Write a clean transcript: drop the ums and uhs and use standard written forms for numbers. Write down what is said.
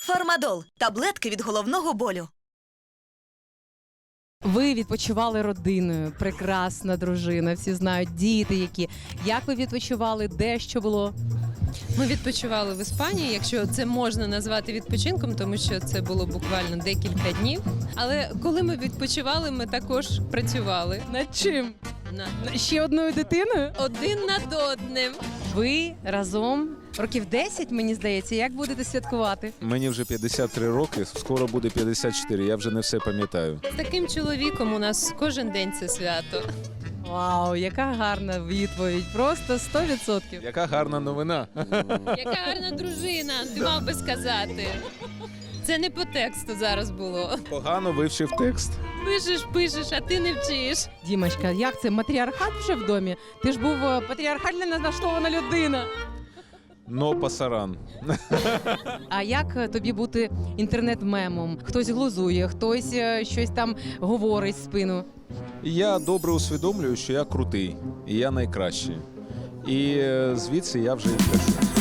Фармадол – таблетки від головного болю. Ви відпочивали родиною, прекрасна дружина, всі знають, діти які. Як ви відпочивали, де, що було? Ми відпочивали в Іспанії, якщо це можна назвати відпочинком, тому що це було буквально декілька днів. Але коли ми відпочивали, ми також працювали Над чим? Ще одною дитиною? один над одним. Ви разом років 10, мені здається, як будете святкувати? Мені вже 53 роки, скоро буде 54, я вже не все пам'ятаю. З таким чоловіком у нас кожен день це свято. Вау, яка гарна відповідь, просто 100%. Яка гарна новина. Яка гарна дружина, ти мав би сказати. Це не по тексту зараз було. Погано вивчив текст. Пишеш, а ти не вчиш. Дімочка, як це, матріархат вже в домі? Ти ж був патріархально налаштована людина. Но пасаран. А як тобі бути інтернет-мемом? Хтось глузує, хтось щось там говорить в спину. Я добре усвідомлюю, що я крутий, і я найкращий. І звідси я вже і кажу.